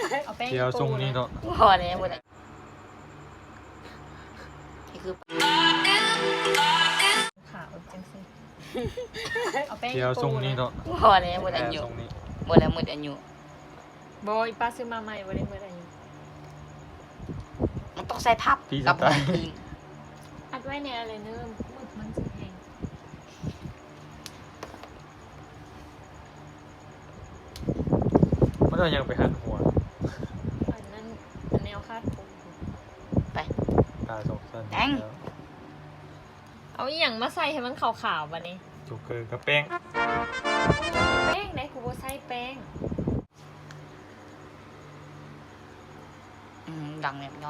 เอาแป้งเดี๋ยวทรงนี้เนาะพอแล้วหมดเลยนี่คือขาวจังสิเอาแป้งเดี๋ยวทรงนี้เนาะพอแล้วหมดอายุทรงนี้หมดแล้วหมดอายุบอยป้าซื้อมาใหม่วันนี้เมื่อไหร่มันต้องใส่พับพี่สกับไตล์พิงอัดไว้ในอะไรเนิ่มมึกมันจะแห้งมันจะยังไปหันหัวอันนั้นอันแนวคาดผมไปตาสองสั้นแดงแล้วเอาอหย่างมาใส่ให้มันขาวๆวันนี้โจ๊กเกอร์กับแป้งแป้งไหนกูว่าใส่แป้งดังเนี่ยย้อน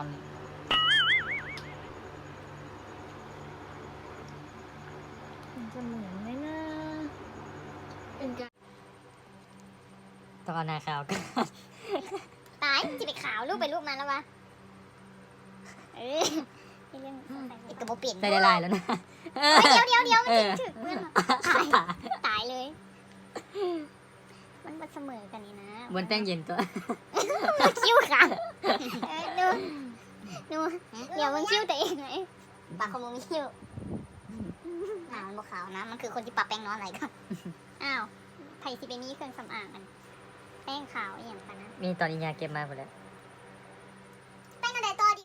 มันจะเหมือนไหมนะเป็นการตอนหน้าขาวกันตายจะไปขาวรูปไปรูปมาแล้ววะเอ้ยเรื่องไอ้กระโปเปลี่ยนใส่ได้ลายแล้วนะเดี๋ยวมันถึงเพื่อนตายเลย มันมาเสมอกันนี่นะบนแป้งเย็นตัวคิ้วค่ะดูเดี๋ยวมึงคิ้วตัวเองไหมปากของมึงมีคิ้วมันบวขาวนะ มันคือคนที่ปะแป้งน้อยอะไรกันอ้าวไผ่สิไปมีเครื่องสำอางกันแป้งขาวอย่างกันนะมีตอนนี้ยาเก็บมาหมดแล้วแป้งอะไรต่อดิ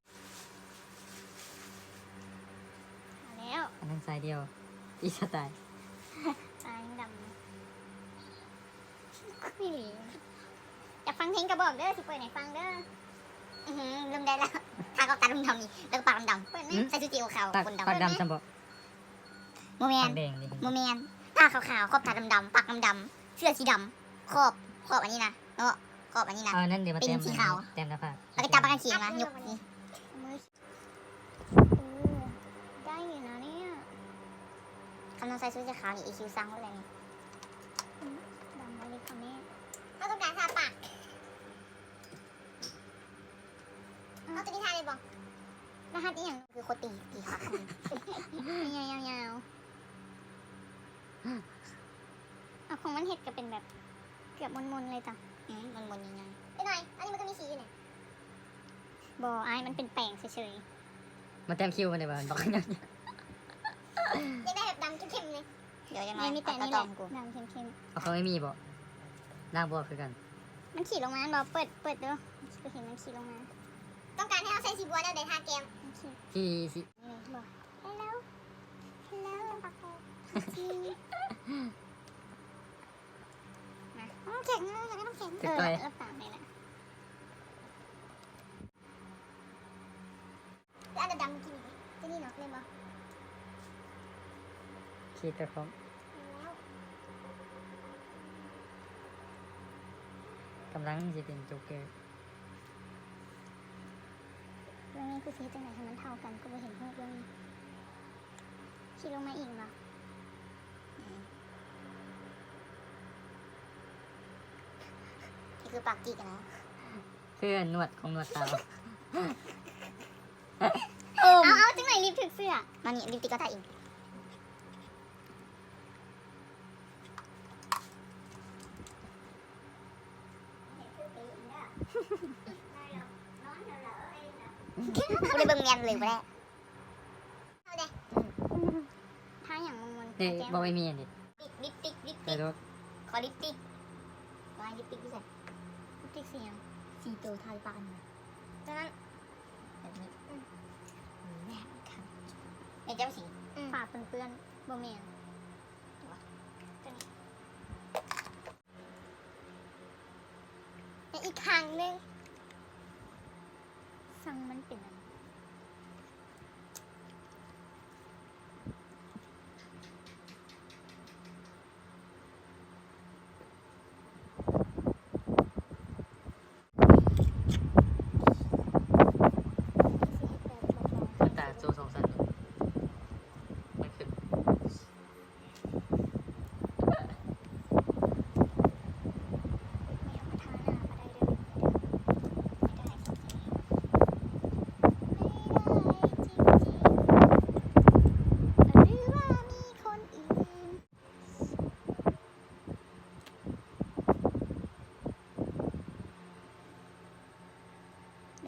แล้วอันนั้นสายเดียว อีสไตล์ตาดำไม่หลีอยากฟังเพลงกระบอกเด้อสิเปิดไหนฟังเด้อลืมได้แล้วทากับตาดำนี่แล้วก็ปากดำๆเปิดไหมใส่ชุดจีขาวปากคนดำปากดำจำบอกโมเมปาน กแดงดิโมเมนตาขาวๆขอบตาดำๆปากดำๆเสื้อสีดำขอบอันนี้นะเนาะขอบอันนี้นะเอานั่นเดี๋ยวมาเป็นเต็มสีขาวเต็มหน้าผากแล้วก็จับปากกันเขียงนะยกนี่ได้อยู่นะเนี่ยคำนองใส่ชุดสีขาวนี่อีคิวซังไว้เลยนี่ดำไว้เลยคำนี้เขาต้องการทาปากเอาตัวนี้ทาเลยบอกรหัสนี่อย่างคือโคตรตีขาคำยาวเอาของมันเห็ดก็เป็นแบบเกือบมนๆเลยจ้ะมนๆยังไงไปหน่อยอันนี้มันก็มีสีอยู่เนี่ยบอไอ้มันเป็นแป้งเฉยมาเต็มคิวมาเลยบ้านบอกยังๆยังได้แบบดำเข้มๆเลยเดี๋ยวยังไงมีแต่นี่แหละดำเข้มเอาเขาไม่มีบอกล่างบวกคือกันๆมันขี่ลงมาบอเปิดดูก็เห็นมันขี่ลงมาต้องการให้เอาใส่สีบัวแล้วเดี๋ยวทาแก้มที่สินี่บอก hello ปักโน้ำแข็งอยากได้น้ำแข็งแล้วตามเลยนะแล้วอันดำๆกินจะนี่เนาะเล่นบ่ขีดตัวของกำลังจะเป็นโจ๊กเกอร์เรื่องนี้คือสีจังไหนให้มันเท่ากันก็ไม่เห็นรูปเรื่องนี้ขี่ลงมาอีกเหรอนี่คือปากกีกันนะเพื่อนนวดของนวดเตาเอาจังไหนลิปถึกเสื้อมานี่ลิปติกก็ถ่ายเองกูเลยเบิ่งเมียนเลยไปแล้วเอาเด้ถ้าอย่างมันเด็กบอกไม่มีอันนี้ลิปติกแต่รถขอลิปติกวายลิปติกด้วยลิปติกสียังสีโตไทยปานจากนั้นแบบนี้แบบค่ะเดี๋ยวเจ้าสีปากเปื้อนๆโบเมียนและอีกครั้งหนึ่งสั่งมันเป็นอะไร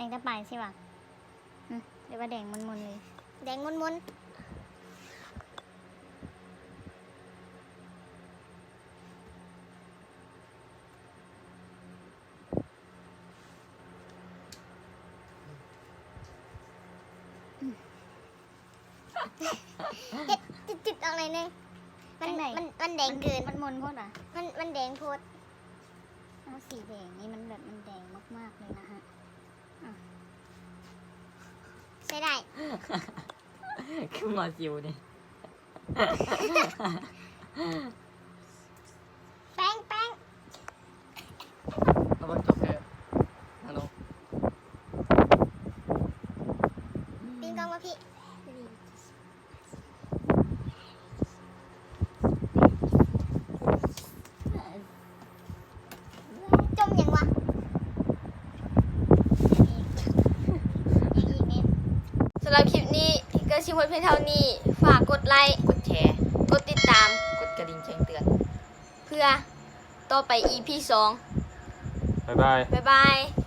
งตะปายใช่ป่ะเรียกว่าแดงมนๆเลย แดงมนๆเฮ็ดจิตๆออกเลยเนี่ยมันแดงเกินมันมนโพดอ่ะมันแดงโพดเอาสีแดงนี่มันแบบมันแดงมากๆเลยนะฮะใช้ได้คือหมอจิวนี่แป้งระบบจ็อกเกอร์ฮัลโหลปิงกองมาพี่จมยังวะอีกนิดสำหรับคลิปนี้ก็ชิมเพียงเท่านี้ ฝากกดไลค์กดแชร์กดติดตามกดกระดิ่งแจ้งเตือนเพื่อต่อไป EP 2 บ๊ายบายบ๊ายบาย